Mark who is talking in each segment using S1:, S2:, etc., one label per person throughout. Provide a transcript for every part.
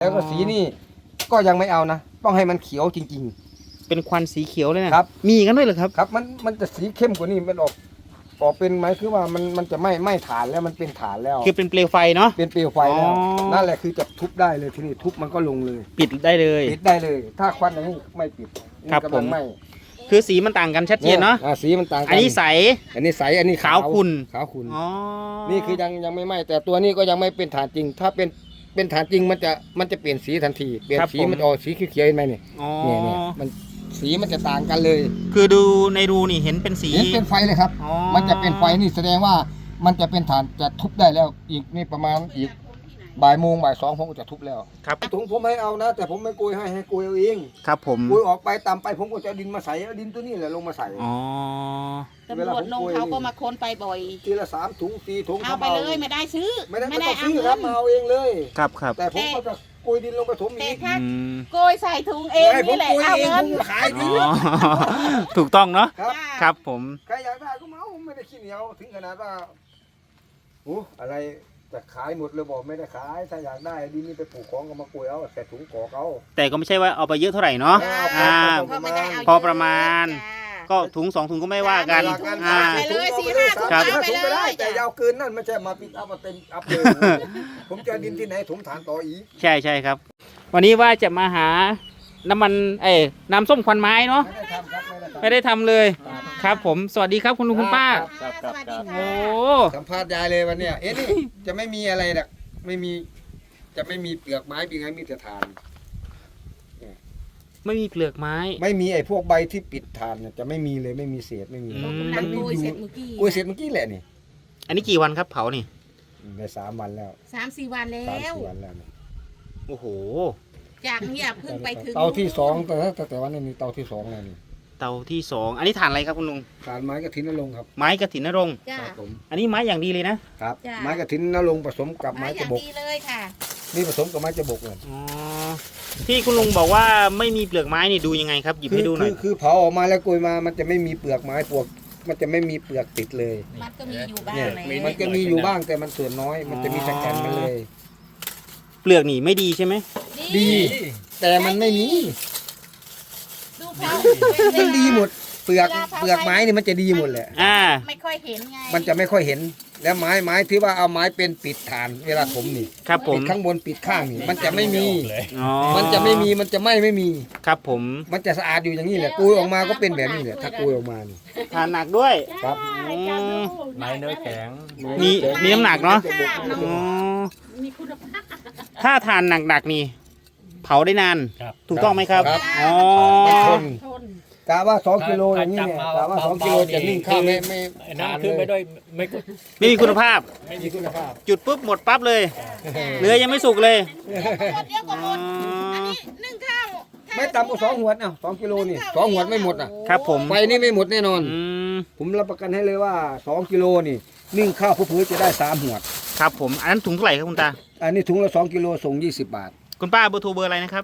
S1: แล้วก็สีนี่ก็ยังไม่เอานะต้องให้มันเขียวจริง
S2: เป็นควันสีเขียวเลยนะครับมีกันด้วยเหรอครับ
S1: ๆครับมันจะสีเข้มกว่านี้มันออกเป็นไหมคือว่ามันจะไม่ฐานแล้วมันเป็นฐานแล้ว
S2: คือเป็นเปลวไฟเนาะ
S1: เป็นเปลวไฟแล้วนั่นแหละคือจะทุบได้เลยทีนี้ทุบมันก็ลงเลย
S2: ปิดได้เลย
S1: ปิดได้เลย ถ้าควันอย่างนี้ไม่ปิด
S2: ครับผม
S1: ไม่
S2: คือสีมันต่างกันชัดเจนเนาะ
S1: สีมันต่างกัน
S2: อันนี้ใส
S1: อันนี้ใสอันนี้
S2: ขาวขุ่น
S1: ขาวขุ่น
S2: อ๋อ
S1: นี่คือยังไม่ไหม้แต่ตัวนี้ก็ยังไม่เป็นฐานจริง ถ้าเป็นฐานจริงมันจะเปลี่ยนสีทันทีเปลี่ยนสีมันออกสีเขียวๆเห็นไหมเนี่ย
S2: อ๋อ
S1: เนี่ยมันสีมันจะต่างกันเลย
S2: คือดูในรูนี่เห็นเป็นสี
S1: เห็นเป็นไฟเลยครับ
S2: อ๋อ
S1: มันจะเป็นไฟนี่แสดงว่ามันจะเป็นฐานจะทุบได้แล้วอีกนี่ประมาณอีกบ่ายโมงบ่ายสองผมก็จะทุบแล้ว
S2: ครับ
S1: ถุงผมให้เอานะ แต่ผมไม่โกยให้โกยเอาเอง
S2: ครับผม
S1: โกยออกไปตามไปผมก็จะเอาดินมาใส่เอาดินตัวนี้แหละลงมาใส่
S2: อ๋อ
S3: ตำรวจลงเขาก็มาค้นไปบ่อย
S1: ทีละ3 ถุง4 ถุง
S3: เอาไปเลยไม่ได้ซื้อ
S1: ไม่ต้อง
S3: เอา
S1: ซื้อ
S3: เงิ
S1: ครับ
S3: น
S1: มาเอาเองเลย
S2: ครับครับ
S1: แต่ผมก็จะโกยดินลงไปถม
S3: แต่
S1: อีก
S3: ถ้า
S2: อืม
S3: โกยใส่ถุงเอง
S1: ให้ผม
S3: นี่แหละ
S1: โกย
S3: เอา
S1: เอง
S3: เงิน
S1: ผมขาย
S2: อ๋
S1: ดี
S2: อ ถูกต้องเนาะ
S1: ครับ
S2: ครับผม
S1: ใครอยากได้ก็มาเอาไม่ได้ขี้เหนียวถึงขนาดว่าโอ้อะไรจะขายหมดเลยบอกไม่ได้ขายถ้าอยากได้ดินนี่ไปปลูกของก็มาโกยเอาใส่ถุงกอกเอา
S2: แต่ก็ไม่ใช่ว่าเอาไปเยอะเท่าไหร่เนาะ
S1: อ่า
S3: เพราะไม่ได้เอา
S2: พอประมาณ ก็ถุง2 ถุงก็ไม่ว่ากัน
S1: อ่า
S3: ไปเลย4-5 ถุง
S2: ครับ
S3: เอาไป
S1: ถุงไป
S3: เล
S1: ได้
S3: ย
S1: แต่ยาวเกินนั่นไม่ใช่มาปิดอัพมาเต็มอัพเลย ผมจะดินที่ไหนถมฐานต่ออีก
S2: ใช่ใช่ครับ วันนี้ว่าจะมาหาน้ำมันน้ำส้มควันไม้เนาะ
S1: ไม่ได้ทำครับ
S2: ไม่ได้ทำเลย ครับผม สวัสดีครับคุณลุงคุณป้า
S3: สวัสดี
S2: โอ้
S3: ค่ะ
S1: สัมภาษณ์ยายเลยวันเนี้ยนี่จะไม่มีอะไรหรอกไม่มีจะไม่มีเปลือกไม้เป็นไงมีแต่ฐาน
S2: ไม่มีเปลือกไม้
S1: ไม่มีไอ้พวกใบที่ปิดฐานเนี่ยจะไม่มีเลยไม่มีเศษไม่มี
S2: อืม
S3: นั่งโกยเสร็จเมื่อกี้
S1: กล้วยเศษเมื่อกี้แหละนี่
S2: อันนี้กี่วันครับเผานี่
S1: ได้3 วันแล้ว
S3: 3-4 วันแล้
S1: 3-4
S3: ว
S1: วันแล้วนี่
S2: โอ้โห
S3: จากเนี่ยเพิ่งไปถึง
S1: เตาที่2แต่วันนี้มีเตาที่2แล้วนี่
S2: เตาที่ 2 อันนี้ฐานอะไรครับคุณลุง
S1: ฐานไม้กระถินนรงค์ครับ
S2: ไม้กระถินนรงค์
S3: จ้า
S1: ครับผม
S2: อันนี้ไม้อย่างดีเลยนะ
S1: ครับ
S3: จ้ะ
S1: ไม้กระถินนรงค์ผสมกับ
S3: มา
S1: ไม้
S3: อก
S1: ระ
S3: ย่าง
S1: บอก
S3: ดีเลยค่ะ
S1: นี่ผสมกับไม้กระบอกเลย
S2: อ๋อ ที่คุณลุงบอกว่าไม่มีเปลือกไม้นี่ดูยังไงครับ หยิบให้ดูหน่อย
S1: คือเผาออกมาแล้วกลวยมามันจะไม่มีเปลือกไม้ปวกมันจะไม่มีเปลือกติดเลย
S3: มันก็มีอยู่บ้าง
S1: เนี่ย
S3: แหละ
S1: มันจะมีอยู่บ้างแต่มันส่วนน้อย มันจะมีสแกนมาเลย
S2: เปลือกนี่ไม่ดีใช่ไหม
S1: ดี แต่มันไม่มี
S3: ดูเขา
S1: มันดีหมด เปลือกไม้นี่มันจะดีหมดแหละ
S2: อ่า
S3: ไม่ค่อยเห็นไง
S1: มันจะไม่ค่อยเห็น แล้วไม้ที่ว่าเอาไม้เป็นปิดฐาน เวลาถมนี่
S2: ครับผ
S1: ปิ
S2: ม
S1: ดข้างบนปิดข้างนี่ มันจะไม่มี
S2: อ๋อ
S1: มันจะไม่มีมันจะไม่มี
S2: ครับผม
S1: มันจะสะอาดอยู่อย่างนี้แหละกุยออกมาก็เป็นแบบนี้แหละถ้ากุยออกมานี่
S2: ทานหนักด้วย
S1: ครับ
S2: อืม
S4: ไม้เนื้อแข็ง
S2: มีน้ำหนักเนาะ อ๋อ
S3: มีคุณภาพ
S2: ถ้าทานหนักๆนี่ เผาได้นาน
S4: ครับ
S2: ถูกต้องไหมครับ
S1: ครับ
S2: อ๋อ
S1: มันทน
S3: ทน
S1: กะว่า2 กิโลอย่างนี้เนี่ยกะว่า2 กิโลจะนิ่งข้าวไม่
S4: ไอ้นั่นขึ้นไปด้วยไม่กด
S2: ไม่มีคุณภาพ
S1: ไม่มีคุณภาพ
S2: จุดปุ๊บหมดปั๊บเลย เนื้อยังไม่สุกเลย
S3: หมดเยอะกว่าหมดอันนี้นึ่งข้าว
S1: ไม่ต่ำกว่า2 หัวดเอา2 กิโลนี่2 หัวดไม่หมดอ่ะ
S2: ครับผม
S1: ไฟนี่ไม่หมดแน่นอน
S2: อืม
S1: ผมรับประกันให้เลยว่า2 กิโลนี่นึ่งข้าวผู้ๆจะได้3 หัวด
S2: ครับผม อันนั้นถุงเท่าไหร่ครับคุณตา
S1: อันนี้ถุงละ2 กิโลส่ง20 บาท
S2: คุณป้าเบอร์โทรเบอร์อะไรนะครับ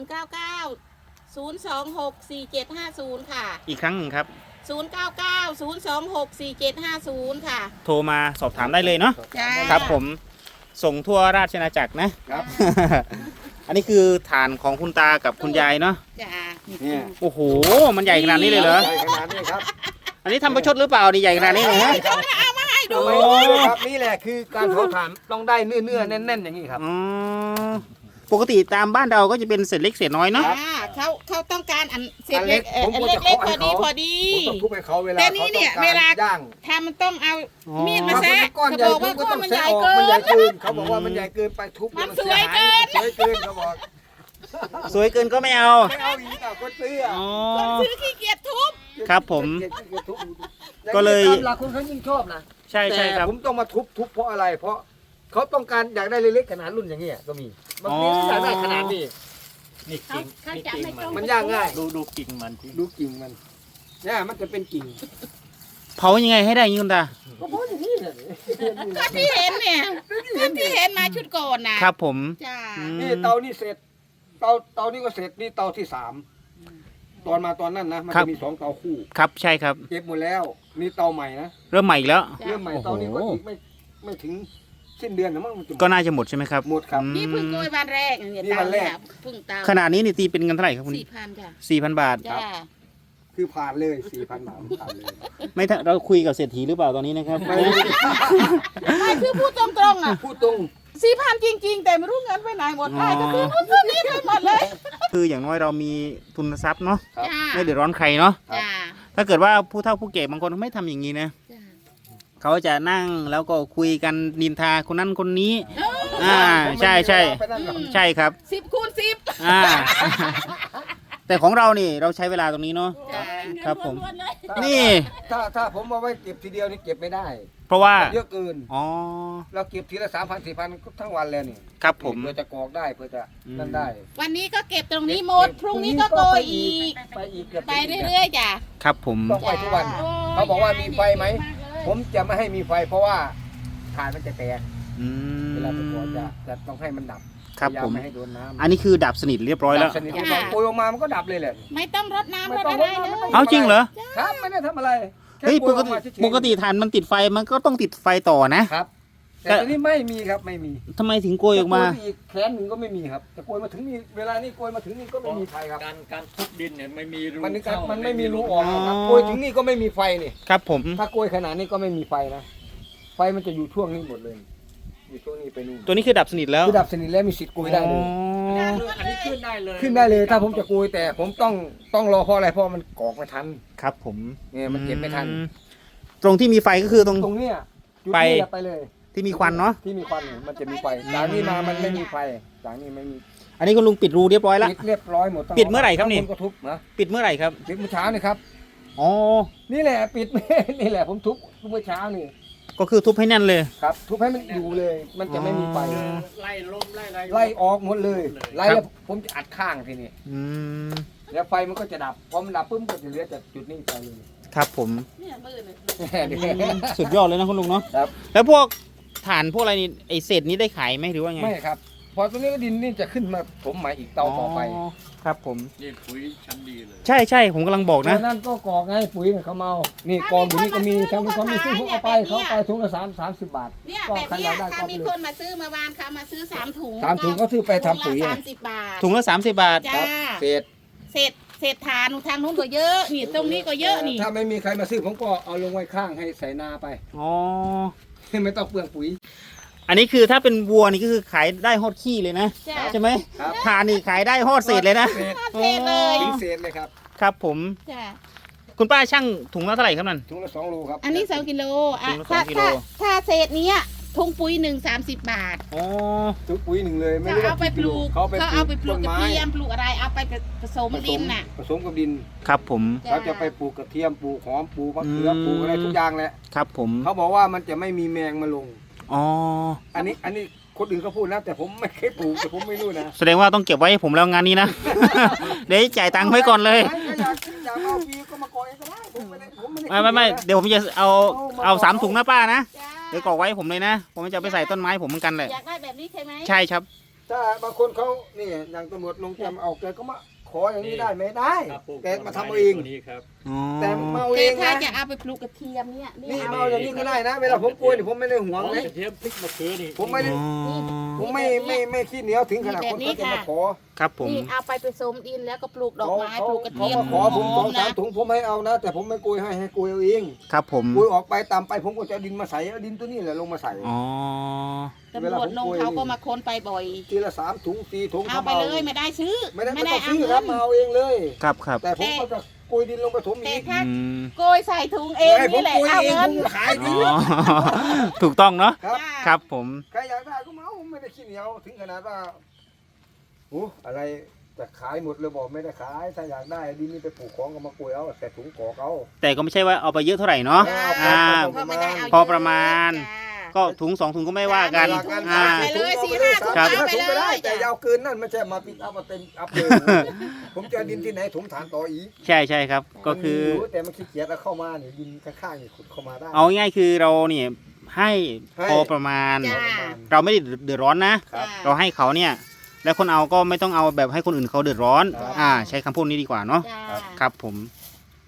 S3: 099 026 4750 ค่ะ
S2: อีกครั้งหนึ่งครับ
S3: 099 026 4750 ค่ะ
S2: โทรมาสอบถามได้เลยเนาะ
S3: จ้า
S2: ครับผม ส่งทั่วราชอาณาจักรนะ
S1: ครับ
S2: อันนี้คือฐานของคุณตากับคุณยายเนาะ
S3: จ้า
S1: เนี่ย
S2: โอ้โห มันใหญ่ขนาดนี้เลยเหรอ
S1: ใหญ่ขนาดนี้ครับ
S2: อันนี้ทำประชดหรือเปล่านี่ใหญ่ขนาดนี้เลยฮะ
S3: ให้ดู
S2: โอ้
S1: ครับนี่แหละคือการเผาถ่านต้องได้เนื้อแน่นๆอย่างนี้ครับ
S2: อ๋อปกติตามบ้านเราก็จะเป็นเศษเล็กเศษน้อยเนาะ
S3: เขาต้องการอันเศษ
S1: อัน
S3: เล็
S1: เล็
S3: ก
S1: กผมก็
S3: เล็
S1: จะ
S3: กเล็ก
S1: เคาะ
S3: พ
S1: ให้
S3: อดี
S1: เขา
S3: พอดี
S1: ผมต้องทุบให้เขาเวลา
S3: แต่
S1: เขา
S3: นี่
S1: ต้
S3: เนี่
S1: อย ง
S3: เว
S1: การ
S3: ลา
S1: ย่าง
S3: ถ้ามันต้องเอา
S2: อ๋อ
S3: มีดมา
S1: บางคน
S3: แซะ
S1: เป็นก้อน
S3: เขา
S1: ใหญ่
S3: บอก
S1: ผม
S3: ว่า
S1: ก็
S3: ก้อ
S1: ต้อน ง
S3: มัน
S1: แซะ
S3: ใหญ่
S1: ออก
S3: เกิ
S1: มันใหญ่เกินเขาบอกว่ามันใหญ่เกินไปทุบ
S3: มัน
S1: สี
S3: สวยเกิน
S1: สวยเกินเขาบอก
S2: สวยเกินก็ไม่เอา
S1: ไม่เอาอีกอ่ะคนซื้ออ่ะ
S2: อ๋อ
S3: คนซื้อขี้เกียจทุบ
S2: ครับผม
S1: ทุบ
S2: ก็เลย
S1: ตามหลักคนเขายิ่งชอบนะ
S2: ใช่ใช่ครับ
S1: แต่ผมต้องมาทุบเพราะอะไร เพราะเขาต้องการอยากได้เล็กๆขนาดรุ่นอย่างเงี้ยก็มีบางทีอยากได้ขนาดนี้
S4: นี่กิ่ง
S3: เขา
S4: นี่
S3: จะ
S4: กิ่ง
S3: ไม่
S4: มั
S3: ต้
S4: น
S3: อง
S1: มันย่างง่าย
S4: ดูกิ่งมันที่
S1: ดูกิ่งมันเนี่ยมันจะเป็นกิ่ง
S2: เผายังไงให้ได้อย่างนี้คุณตา
S1: ก็เพราะอย่างนี้เลย
S3: ก็ที่เห็นเนี่ยก็ที่เห็นมาชุดก่อนนะครับ
S2: ผม
S3: จ้า
S2: อืม
S1: นี่เตานี่เสร็จเตานี่ก็เสร็จนี่เตาที่3ตอนมาตอนนั้นนะมันจะมี2 เตาคู่
S2: ครับใช่ครับ
S1: เก็บหมดแล้วนี่เตาใหม่นะ
S2: เริ่มใหม่อีกแล้ว
S1: เรื่องใหม่
S2: โอ้โห
S1: เตานี้ก็อีกไม่ถึงสิ้นเดือนนะมั้งมันจะหมด
S2: ก็น่าจะหมดใช่ไหมครับ
S1: หมดครับ
S2: อืม
S3: นี่เพิ่งโกยวันแรกเนี่ย
S1: นี่วันแรก
S3: เพิ่งตาม
S2: ขนาดนี้นี่ตีเป็นเงินเท่าไหร่ครับคุณ
S3: 4,000 ค่ะ
S2: 4,000 บาท
S3: จ้า
S1: คือผ่านเลย4,000 บาทผ่านเลย
S2: ไม่ถ้าเราคุยกับเศรษฐีหรือเปล่าตอนนี้นะครับ
S3: ไม่คือพูดตรงๆอ่ะ
S1: พูดตรง
S3: 4,000 จริง ๆ แต่ไม่รู้เงินไปไหนหมดไปก็คือนู่นคือนี่ไปหมดเลย
S2: คืออย่างน้อยเรามีทุนทรัพย์เนาะ
S1: ครับ
S3: จ้า
S2: ไม่เดือดร้อนใครเนาะ
S3: จ้า
S2: ถ้าเกิดว่าผู้เฒ่าผู้แก่บางคนไม่ทำอย่างนี้นะ
S3: จ้า
S2: เขาจะนั่งแล้วก็คุยกันนินทาคนนั้นคนนี้
S3: เออ
S2: ใช่ใช่
S1: ไปนั่นกับ
S2: ใช่ครับ
S3: 10 คูณ 10
S2: อ่า แต่ของเรานี่เราใช้เวลาตรงนี้เนาะ
S3: จ้า
S2: ครับผม
S3: ล้วนๆเลย
S2: นี่
S1: ถ้าผมเอาไว้เก็บทีเดียวนี่เก็บไม่ได้
S2: เพราะว่า
S1: เยอะเกิน
S2: อ๋อ
S1: เราเก็บทีละ3,000 4,000ก็ทั้งวันแล้วนี่
S2: ครับผม
S1: เพื่อจะกรอกได้เพื่อจะนั่นได้
S3: วันนี้ก็เก็บตรงนี้หมด พรุ่งนี้ก็โกยอีก
S1: ไปอีกเกือบ
S3: ไปเรื่อยๆจ้ะ
S2: ครับผม
S1: ต้องไปทุกวัน เขาบอกว่ามีไฟไหม ผมจะไม่ให้มีไฟเพราะว่าถ่านมันจะแตก
S2: อืม
S1: เวลาไปกรอกจะต้องให้มันดับ
S2: ครับ
S1: พยายา
S2: ผม
S1: ไม่ให้โดนน้ำ
S2: อันนี้คือดับสนิทเรียบร้อยแล้ว
S1: ดับสนิทเราโกยออกมามันก็ดับเลยแหละ
S3: ไม่ต้องรดน้ำ
S1: ไม่
S3: รด
S1: ต้อง
S3: อะไร
S1: รด
S3: เล
S1: น้ำไม่ต้
S3: ย
S1: อง
S2: เอาจริงเหรอ
S1: ครับไม่ได้ทำอะไรแค่
S2: เฮ้ย
S1: โก
S2: ป
S1: ย
S2: ก
S1: ออ
S2: ติ
S1: มาเฉยๆ
S2: ปกติฐานมันติดไฟมันก็ต้องติดไฟต่อนะ
S1: ครับ แต่ตอนนี้ไม่มีครับไม่มี
S2: ทำไมถึงโกยออกมา
S1: จะโกยไปอีกแขนหนึ่งก็ไม่มีครับจะโกยมาถึงนี่เวลานี้โกยมาถึงนี่ก็ไม่มีไฟครับ
S4: การทุบดินเนี่ยไม่มีรู
S1: มัน
S4: เข้า
S1: มันไม่มีรูออกครับ
S2: อ๋อ
S1: โกยถึงนี่ก็ไม่มีไฟนี่
S2: ครับผม
S1: ถ้าโกยขนาดนี้ก็ไม่มีไฟนะไฟมันจะอยู่ช่วงนี้หมดเลยอยู่ช่วงนี้ไปนู่น
S2: ตัวนี้คือดับสนิทแล้ว
S1: คือดับสนิทแล้วมีสิทธิ์โกยได้เลย
S2: อ๋อ
S4: อันนี้ขึ้นได้เลย
S1: ขึ้นได้เลยถ้าผมจะโกยแต่ผมต้องรอเพราะอะไรเพราะมันกรอกไม่ทัน
S2: ครับผม
S1: เนี่ยมันเก็บไม่ทัน
S2: อืตรงที่มีไฟก็คือตรง
S1: ตรงเนี้ยจุด
S2: ไป
S1: นี้ไปเลย
S2: ที่มีควันเนาะ
S1: ที่มีควันเนี่ยมันจะมีไฟจากนี้มามันไม่มีไฟจากนี้ไม่มี
S2: อันนี้คุณลุงปิดรูเรียบร้อยแล้ว
S1: ปิดเรียบร้อยหมดต้ง
S2: ปิดเมื่อไหร่ครับนี่
S1: ข้างบก็ทุบนะ
S2: ปิดเมื่อไหร่ครับ
S1: ปิดเมื่อเช้านี่ครับ
S2: อ๋อ
S1: นี่แหละปิด นี่แหละผมทุบเมื่อเช้านี่
S2: ก็คือทุบให้แน่นเลย
S1: ครับ ทุบให้มันอยู่เลย มันจะไม่มีไฟ
S2: อ๋อ
S4: ไล่ลมไล่อะไร
S1: ไล่ออกหมดเลยไล่แล้วผมจะอัดข้างทีนี้
S2: อืม
S1: แล้วไฟมันก็จะดับพอมันดับปุ๊บก็จะเหลือจากจุดนี้ไปเลย
S2: ครับผม
S3: เนี่ยมือเลย
S2: สุดยอดเลยนะคุณลุงเนาะ
S1: ครับ
S2: แล้วพวกฐานพวกอะไรนี่ไอเศษนี้ได้ขายไหมหรือว่าไง
S1: ไม่ครับ พอตรงนี้ก็ดินนี่จะขึ้นมาถมใหม่อีกเตาต่อไป
S2: ครับผม
S4: นี่ปุ๋ยชั้นดีเลย
S2: ใช่ใช่ผมกำลังบอกนะ
S1: นั่นก็กรอกไงปุ๋ยเนี่ยเขาเมานี่กองอยู่นี่ก็มีทางนี้เขามีซื้อเขาเอาไปเขาเอาไปถุงละ30 บาท
S3: เนี่ย
S1: ก็
S3: แบบ
S1: ใคร
S3: เนี้
S1: อย ยากได้
S3: ถ้า
S1: ก็
S3: มี
S1: ไป
S3: ค
S1: เลย
S3: นมาซื้อเมื่อวานเขามาซื้อ3 ถุง
S1: 3 ถุงก็ซื้อไปทำปุ๋ย
S3: ถุง
S1: อะ
S3: ละ30 บาท
S2: ถุงละ30 บาท
S3: จ้า
S1: เศษ
S3: เศษทานทางนู้นก็เยอะนี่ตรงนี้ก็เยอะนี่
S1: ถ้าไม่มีใครมาซื้อผมก็เอาลงไว้ข้างให้ใส่นาไป
S2: อ๋อ
S1: ไม่ต้องเปลืองปุ๋ย
S2: อันนี้คือถ้าเป็นวัวนี่ก็คือขายได้ฮอดขี้เลยนะ
S3: จ้า
S2: ใช่ไหม
S1: ครับ
S2: ฐานนี่ขายได้ฮอดเศษเลยนะ
S1: เศษ
S3: เศษเลย
S1: ถึงเศษเลยครับ
S2: ครับผม
S3: จ้า
S2: คุณป้าช่างถุงละเท่าไหร่ครับนั่น
S1: ถุงละ2 โลครับ
S3: อันนี้2 กิโลอ่ะ
S2: ถุงละ
S3: ถ้า
S2: 2 กิโล
S3: ถ้าเศษเนี้ยถุงปุ๋ย1 30 บาท
S2: อ๋อ
S1: ถุงปุ๋ยหนึ่งเลยไม่
S3: เขา
S1: รู้
S3: เอาไปปลูก
S1: เขา
S3: เขาเอาไปปลูก
S1: ต้น
S3: กระ
S1: ไม้
S3: เทียมปลูกอะไรเอาไปผสมดินน่ะ
S1: ผสมกับดิน
S2: ครับผม
S3: จ้
S1: เขาจะไปปลูกกระเทียมปลูกหอมปลูกมะเขือ
S2: อืม
S1: ปลูกอะไรทุกอย่างแหละ
S2: ครับผม
S1: เขาบอกว่ามันจะไม่มีแมงมาลง
S2: อ๋อ
S1: อันนี้คนอื่นเขาพูดนะ แต่ผมไม่เคยปลูกแต่ผมไม่รู้นะ
S2: แสดงว่าต้องเก็บไว้ให้ผมแล้วงานนี้นะ เดี๋ยวจ่ายตังค์ไว้ก่อนเลย
S1: ใครอยากเอาฟรีก็มาก่อนเองก็ได้ผมไม่ได้
S2: ไม่เดี๋ยวผมจะเอา3 ถุงนะป้านะ
S3: จ้า
S2: เดี๋ยวกรอกไว้ให้ผมเลยนะ ผมจะเอาไปใส่ต้นไม้ผมเหมือนกันเลย
S3: อยากได้แบบนี้ใช่ไหม
S2: ใช่ครับ
S1: ถ้าบางคนเขานี่อย่างตำรวจลงแกมเอาแกก็มาขออย่างนี้ได้ไหมได้
S4: ครับปลูก
S1: แกมาทำเอาเอง
S4: ตัวนี้ครับ
S2: อ๋อ
S1: แต่มาเอา
S3: แต่
S1: เอง
S3: ถ้า
S1: นะ
S3: จะเอาไปปลูกกระเทียมเนี่ย
S1: นี่
S3: เอา
S1: มาเอาอย่างนี้ก็ได้นะ เวลาผมกลัวนี่ผมไม่ได้ห่วง
S4: อ๋อ
S1: เลย
S4: กระเทียมพริกมะเขือนี่
S1: ผมไม่ได้
S2: อ๋อ
S1: ผมไม่ขี้เหนียวถึงขนาดคนเขาจะมาขอ
S2: ครับผม
S3: นี่เอาไปผสมดินแล้วก็ปลูกดอกไม้ปลูกกระ
S1: เขา
S3: เทียม
S1: มาขอผม2-3
S3: นะ
S1: ถุงผมให้เอานะ แต่ผมไม่โกยให้โกยเอาเอง
S2: ครับผม
S1: โกยออกไปตามไปผมก็จะเอาดินมาใส่เอาดินตัวนี้แหละลงมาใส่
S2: อ๋อ
S3: ตำรวจลงเขาก็มาค้นไปบ่อย
S1: ทีละ3 ถุง4 ถุง
S3: เอาไปเลยไม่ได้ซื้อ
S1: ไม่ได้
S3: ไม่
S1: ไม่
S3: ได้
S1: ต้อง
S3: เอา
S1: ซื้อค
S3: เงิ
S1: รับ
S3: น
S1: มาเอาเองเลย
S2: ครับครับ
S1: แต่ผมก็จะโกยดินลงไปถม
S3: แต่
S1: อีก
S3: ถ้า
S2: อืม
S3: โกยใส่ถุงเอง
S1: ให้ผม
S3: นี่แหละ
S1: โกย
S3: เอา
S1: เอง
S3: เงิน
S1: ผมขาย
S2: อ๋
S1: ดี
S2: อ ถูกต้องเนาะ
S1: ครับ
S3: จ้า
S2: ครับผม
S1: ใครอยากได้ก็มาเอาไม่ได้ขี้เหนียวถึงขนาดว่าโอ้อะไรจะขายหมดเลยบอกไม่ได้ขาย ถ้าอยากได้ดินนี่ไปปลูกของก็มาโกยเอาแต่ถุงกอกเอา
S2: แต่ก็ไม่ใช่ว่าเอาไปเยอะเท่าไหร่เนาะ
S3: จ้า
S2: อ่า
S3: ก็ไม่ได้เา
S2: พอประมาณ
S3: จ้า
S2: ก็ถุง2 ถุงก็ไม่ว่ากัน
S3: จ้า
S2: อ่า
S3: ไปเลย4-5 ถุง
S2: ครับ
S3: เอาไป
S1: ถุงก็
S3: เล
S1: ได้
S3: ย
S1: แต่
S3: จ้ะ
S1: ยาวเกินนั่นไม่ใช่มาปิกอัพมาเต็มอัพเลย ผมจะเอาดินที่ไหนถมฐานต่ออีก
S2: ใช่ใช่ครับ ก็คือ
S1: มันมียู่แต่มันขี้เกียจแล้วเข้ามาเนี่ยดินข้างๆนี่ขุดเข้ามาได้
S2: เอาง่ายๆคือเราเนี่ยให้
S1: ให้
S2: พอประมาณ
S3: จ้า
S2: เราไม่ได้เดือดร้อนนะ
S1: ครับ
S2: เราให้เขาเนี่ย แล้วคนเอาก็ไม่ต้องเอาแบบให้คนอื่นเขาเดือดร้อน
S1: ครับ
S2: ใช้คำพูดนี้ดีกว่าเนาะ
S3: จ้า
S2: ครับผม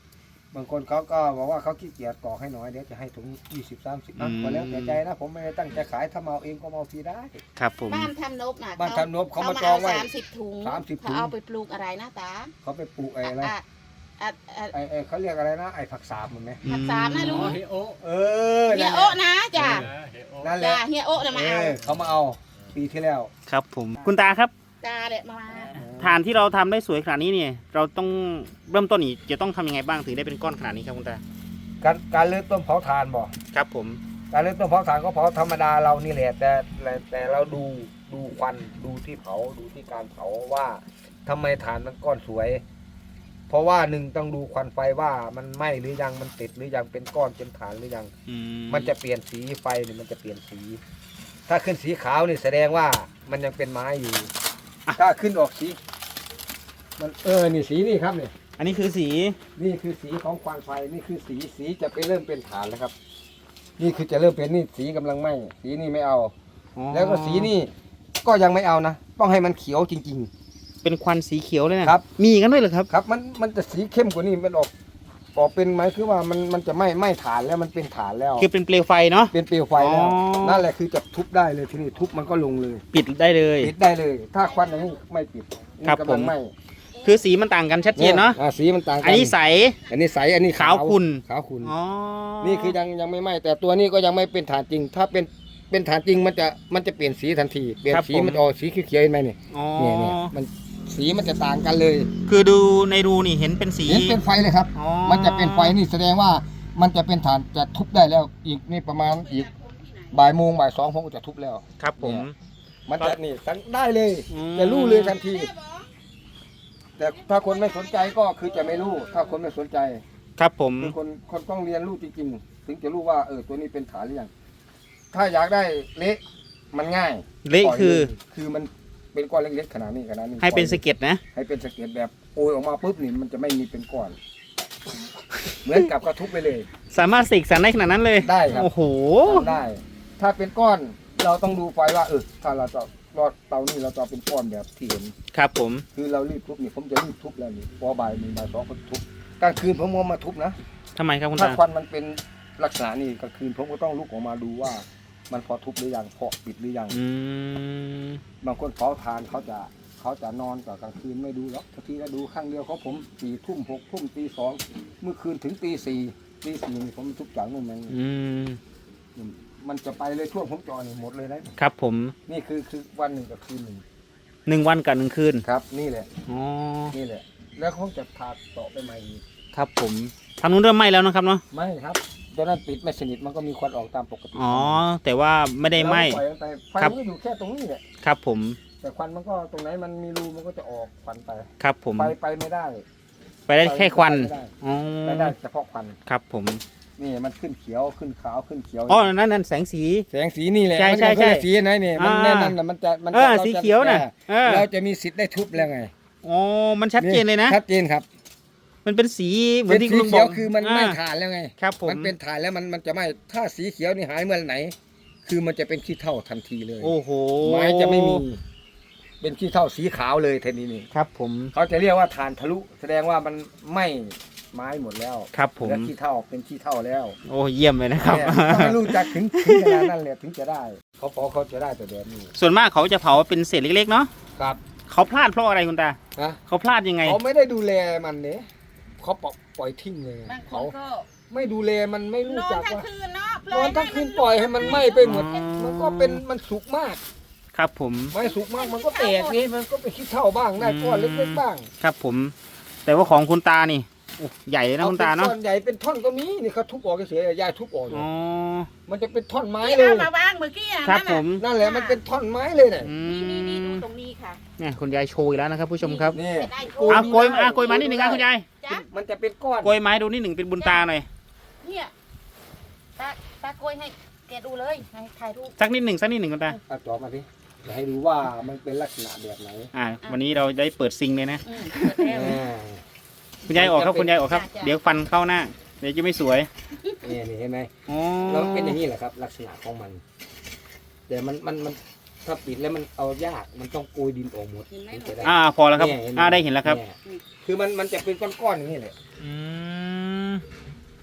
S1: บางคนเขาก็บอกว่าเขาขี้เกียจกรอกให้น้อยเดี๋ยวจะให้ถุง20-30นะก็แล้วแต่ใจนะผมไม่ได้ตั้งใจขายถ้ามาเอาเองก็มาเอาฟรีได้
S2: ครับผม
S3: บ้านทำนบน่ะ
S1: บ้านทำนบเขามาจองไว้
S3: 30 ถุง
S1: 30 ถุ
S3: เขา
S1: ง
S3: เอาไปปลูกอะไรนะตา
S1: เขาไปปลูกอะไร
S3: อ่ะ
S1: ไอ้เขาเรียกอะไรนะไอ้ผักสาบมันไหม
S3: ผักสามนะ
S4: อ๋
S3: ลุ
S4: อง เฮโอ
S3: เฮียโอะนะจ้ะ
S4: เฮโอ
S1: นั่นแห
S3: จ้ะ
S1: ละ
S3: เฮียโอะนะมาเอา
S1: เขามาเอาปีที่แล้ว
S2: ครับผมคุณตาครับ
S3: ตาเด็ดมา
S2: ฐานที่เราทำได้สวยขนาดนี้เนี่ยเราต้องเริ่มต้นนี่จะต้องทำยังไงบ้างถึงได้เป็นก้อนขนาดนี้ครับคุณตา
S1: การเริ่มต้นเผาถ่านบ่
S2: ครับผม
S1: การเริ่มต้นเผาถ่านก็เผาธรรมดาเรานี่แหละแต่เราดูควันดูที่เผาดูที่การเผาว่าทำไมถ่านมันก้อนสวย เพราะว่าหนึ่งต้องดูควันไฟว่ามันไหม้หรือยังมันติดหรือยังเป็นก้อนเป็นฐานหรือยัง มันจะเปลี่ยนสีไฟเนี่ยมันจะเปลี่ยนสี ถ้าขึ้นสีขาวนี่แสดงว่ามันยังเป็นไม้อยู่ ถ้าขึ้นออกสีมันนี่สีนี่ครับเนี่ย
S2: อันนี้คือสี
S1: นี่คือสีของควันไฟนี่คือสีจะไปเริ่มเป็นฐานแล้วครับ นี่คือจะเริ่มเป็นนี่สีกำลังไหม้สีนี่ไม่เอา แล้วก็สีนี่ก็ยังไม่เอานะต้องให้มันเขียวจริง
S2: เป็นควันสีเขียวเลยนะครับ มีกันด้วยเหรอครับ
S1: ๆ ครับมันจะสีเข้มกว่านี้มันออกเป็นไหมคือว่ามันจะไหม้ฐานแล้วมันเป็นฐานแล้ว
S2: คือเป็นเปลวไฟเนาะ
S1: เป็นเปลวไฟแล้ว
S2: อ๋อ
S1: นั่นแหละคือจะทุบได้เลยทีนี้ทุบมันก็ลงเลย
S2: ปิดได้เลย
S1: ปิดได้เลย ถ้าควันอย่างนี้ไม่ปิดนี่
S2: ครับ
S1: กำลัง
S2: ผม
S1: ไหม้
S2: คือสีมันต่างกันชัดเจนเนาะ
S1: สีมันต่างกั
S2: อันนี้ใส
S1: อันนี้ใสอันนี้
S2: ขาวขุ่น
S1: ขาวขุ่น
S2: อ๋อ
S1: นี่คือยังไม่ไหม้แต่ตัวนี้ก็ยังไม่เป็นฐานจริง ถ้าเป็นฐานจริงมันจะเปลี่ยนสีทันทีเปลี่ยนสีมันจะออกสีเขียวๆเห็นไหมเนี่ย
S2: อ๋อ
S1: เนี่ยมันสีมันจะต่างกันเลย
S2: คือดูในรูนี่เห็นเป็นสี
S1: เห็นเป็นไฟเลยครับ
S2: อ๋อ
S1: มันจะเป็นไฟนี่แสดงว่ามันจะเป็นฐานจะทุบได้แล้วอีกนี่ประมาณอีกบ่ายโมงบ่ายสองผมก็จะทุบแล้ว
S2: ครับผม
S1: มันจะนี่ตั้งได้เลย
S2: อืม
S1: จะรู้เลยทันที แต่ถ้าคนไม่สนใจก็คือจะไม่รู้ ถ้าคนไม่สนใจ
S2: ครับผม
S1: คือคนต้องเรียนรู้จริงๆ ถึงจะรู้ว่าตัวนี้เป็นฐานหรือยังถ้าอยากได้เละมันง่าย
S2: เละ
S1: ปอย
S2: คือ
S1: คือมันเป็นก้อนเล็กๆขนาดนี้ขนาดนี้
S2: ให้เป็น
S1: ปล่
S2: สะ
S1: อย
S2: เก็ดนะ
S1: ให้เป็นสะเก็ดแบบโอยออกมาปุ๊บนี่มันจะไม่มีเป็นก้อน เหมือนกับกระทุบไปเลย
S2: สามารถเสกสรรได้ขนาดนั้นเลย
S1: ได้ครับ
S2: โอ้โห
S1: ทำได้ ถ้าเป็นก้อนเราต้องดูไฟว่าถ้าเราจะรอดเตานี่เราจะเอาเป็นก้อนแบบที่เห็น
S2: ครับผม
S1: คือเรารีบทุบนี่ผมจะรีบทุบแล้วนี่พอบ่ายหนึ่งบ่ายสองผมทุบกลางคืนผมก็มาทุบนะ
S2: ทำไมครับคุณ
S1: ถ้า
S2: ตา
S1: ควันมันเป็นลักษณะนี้กลางคืนผมก็ต้องลุกออกมาดูว่า มันพอทุบหรือยังพอปิดหรือยัง
S2: อืม
S1: บางคนเผาทานเขาจะนอนกับกลางคืนไม่ดูหรอกทีก็ดูข้างเดียวเขาผม4 ทุ่ม6 ทุ่มตี 2เมื่อคืนถึงตี 4ตี4นี่ผมทุบจากนู่นมา
S2: อืม
S1: มันจะไปเลยช่วงผมจอนี่หมดเลยนะครับ
S2: ผม
S1: นี่คือวันหนึ่งกับคืนหนึ่ง
S2: 1 วันกับ1 คืน
S1: ครับนี่แหละ
S2: อ๋อ
S1: นี่แหละ แล้วเขาจะถาดต่อไปใหม่อีก
S2: ครับผมทางนู้นเริ่มไหม้แล้วนะครับเนาะ
S1: ไม่ครับตอนนั้นปิดไม่สนิทมันก็มีควันออกตามปกติ
S2: อ๋อ แต่ว่าไม่ได้ไหม้
S1: เราปล่อยนไปไฟ
S2: ครับ
S1: มันก็อยู่แค่ตรงนี้แหละ
S2: ครับผม
S1: แต่ควันมันก็ตรงไหนมันมีรูมันก็จะออกควันไป
S2: ครับผม
S1: ไปไม่ได้
S2: ไปได้แค่ควัน
S1: ไปไม่ได้
S2: อ๋อ
S1: ไปได้เฉพาะควัน
S2: ครับผม
S1: นี่มันขึ้นเขียวขึ้นขาวขึ้นเขียว
S2: อ๋อนั่นแสงสี
S1: แสงสีนี่แหละ
S2: ใช่
S1: มัน
S2: ใช่
S1: ก็
S2: ใช่
S1: สีไหนเนี่ยมัน
S2: อ่า
S1: แน่นอนนะมันจะ
S2: สีเขียวน่ะเออ
S1: เราจะมีสิทธิ์ได้ทุบแล้วไง
S2: อ๋อ มันชัดเจนเลยนะ
S1: ชัดเจนครับ
S2: มันเป็นสีเหมือ
S1: เป็น น
S2: ที่
S1: สี
S2: คุณลุงบ
S1: เขี
S2: อ
S1: ยว
S2: ก
S1: คือมันไม่ถ่านแล้วไง
S2: ครับผม
S1: มันเป็นถ่านแล้วมันจะไม่ถ้าสีเขียวนี่หายเมื่อไหร่คือมันจะเป็นขี้เถ้าทันทีเลย
S2: โอ้โห
S1: ไม้จะไม่มี เป็นขี้เถ้าสีขาวเลยทีนี้นี่
S2: ครับผม
S1: เขาจะเรียกว่าถ่านทะลุ แสดงว่ามันไหม้ไม้หมดแล้ว
S2: ครับผม
S1: แล้วขี้เถ้าเป็นขี้เถ้าแล้ว
S2: โอ้เยี่ยมเลยนะครับ
S1: เนี่ยต้องให้รู้จักถึงขนาดนั้นเลยถึงจะได้เขาจะได้แต่แบบนี้
S2: ส่วนมากเขาจะเผาเป็นเศษเล็กๆเนาะ
S1: ครับ
S2: เขาพลาดเพราะอะไรคุณตา
S1: นะ
S2: เขาพลาดยังไง
S1: เขาไม่ได้ดูแลมันเนี่ยเขาปล่อยทิ้งเลย
S3: บางค
S1: เขา
S3: นก็
S1: ไม่ดูแลมันไม่
S3: น
S1: รู้
S3: อน
S1: จัก
S3: ทั้ง
S1: ว่า
S3: คืนเนาะ
S1: นอนทั้งคืนปล่อยให้มันไหม้ไปหมด
S2: อืม
S1: มันก็เป็นมันสุกมาก
S2: ครับผม
S1: ไม่สุกมากมันก็แตกนี่มันก็ไปขี้เท่าบ้างได้ก้อนเล็กๆบ้าง
S2: ครับผม แต่ว่าของคุณตานี่โอ้ใหญ่เลยนะคุณตา
S1: อ
S2: เนาะ
S1: ป็ก้อนใหญ่เป็นท่อนก็มีนี่เขาทุบออกเฉยๆยายทุบออกอยู่
S2: อ๋อ
S1: มันจะเป็นท่อนไม้
S3: ที่
S1: เลย
S3: เอามาวางเมื่อกี้อะ
S2: ครับ
S3: นั่น
S2: ผ
S3: น่ะ
S2: ม
S1: นั่นแหละมันเป็นท่อนไม้เลยเนี่ย
S2: อื
S3: นี่ดู
S2: ม
S3: ตรงนี้ค่ะ
S2: เนี่ยคุณยายโชว์อีกแล้วนะครับ ผู้ชมครับ
S1: นี่
S3: ได้
S1: โอ้
S2: โกยโกยมานิดหนึ่งครับคุณยาย
S3: จ้ะ
S1: มันจะเป็นก้อน
S2: โกยไม้ดูนิดหนึ่งเป็นบุญตาหน่อย
S3: เนี่ยตาโกยให้แกดูเลยให้ถ่ายรูป
S2: สักนิดหนึ่งคุณตา
S1: เอาต่อมาสิจะให้ดูว่ามันเป็นลักษณะแบบไหน
S2: วันนี้เราได้เปิดซิงเลยนะ
S3: เปิดแล้ว
S2: คุณยายออกครับคุณยายออกครับ
S3: จ้ะ
S2: เดี๋ยวฟันเข้าหน้า เดี๋ยวจะไม่สวย
S1: นี่เห็นไหม
S2: อ๋อ
S1: แล้วมันเป็นอย่างนี้แหละครับ ลักษณะของมัน แต่มันถ้าปิดแล้วมันเอายากมันต้องโกยดินออกหมด
S3: เห็นไหม
S1: ถึงจะได้
S2: พอแล้วครับ
S1: เนี่ยเห็นไหม
S2: ได้เห็นแล้วครับ
S1: เนี่ยคือมันจะเป็นก้อนๆอย่างนี้แหละ
S2: อืม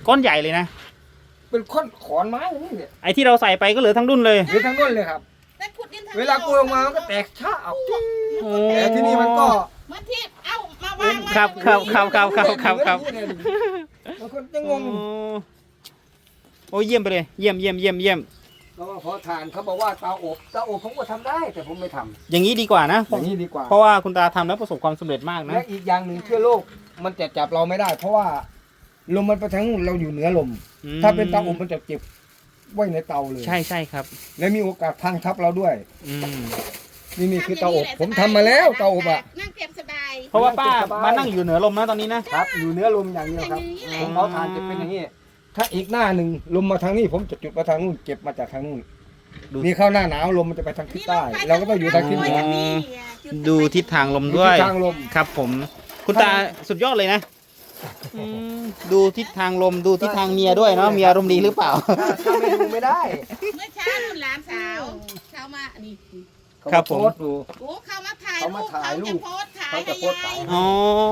S2: ก้อนใหญ่เลยนะ
S1: เป็นค้อนขอนไม้อย่างนี้เนี่ย
S2: ไอ้ที่เราใส่ไปก็เหลือทั้งดุนเลย
S1: หรือทั้งนู้นเลยครับ
S3: แต่ขุดดินทง
S1: เวลากูลงมามันก็แตกช้าออก
S2: โอ้
S1: แต่ที่นี่มันก็
S3: เหมือนที่เอามาวาง
S2: ครับครับครับครับ
S1: บางคนจะงง
S2: โอ้เยี่ยมไปเลยเยี่ยม
S1: เราว่าพอทานเขาบอกว่าเตาอบผมก็ทำได้แต่ผมไม่ทำ
S2: อย่างนี้ดีกว่านะ
S1: อย่างนี้ดีกว่า
S2: เพราะว่าคุณตาทำแล้วประสบความสำเร็จมากนะ
S1: และอีกอย่างหนึ่งเชื้อโรคมันจะจับเราไม่ได้ เพราะว่าลมมันไปทางนู้นเราอยู่เหนือลม ถ้าเป็นเตาอบมันจะเก็บไว้ในเตาเลย
S2: ใช่ครับ
S1: และมีโอกาสพังทับเราด้วย
S2: อืม
S1: นี่คือเตาอบผมทำมาแล้วเตาอบอ่ะ
S3: นั่งเก็บสบาย
S2: เพราะว่าป้ามานั่งอยู่เหนือลมนะตอนนี้นะ
S1: ครับอยู่เหนือลมอย่างเดียวครับ
S3: อย่างนี้แหละ
S1: ผมเผาถ่านจะเป็นอย่างนี้ ถ้าอีกหน้าหนึ่งลมมาทางนี้ผมจะจุดมาทางนู้นเก็บมาจากทางนู้น
S2: ดู
S1: มีเข้าหน้าหนาวลมมันจะไปทางทิศใต้ เราก็ต้องอยู่ทางทิศเหนือ
S2: ดูทิศทางลมด้วย
S1: ทิศทางลม
S2: ครับผม คุณตาสุดยอดเลยนะดูทิศทางลมดูทิศทางเมียด้วยเนาะเมียอารมณ์ดีหรือเปล่า
S1: ถ้าไม่ดูไม่ได้
S3: เมื่อเช้านุ่นหลานสาวเขามานี่
S2: ครับผม
S1: เขาโพสต์ดู
S3: โอ้เขามาถ่าย
S1: เขา
S3: รู
S1: มา
S3: ป
S1: ถ่ายรูป
S3: เขาจะโพสต์ขาย
S1: เขาจะ
S3: ให้
S1: โพสต์
S3: ยา
S1: ขาย
S3: ย
S2: อ๋อ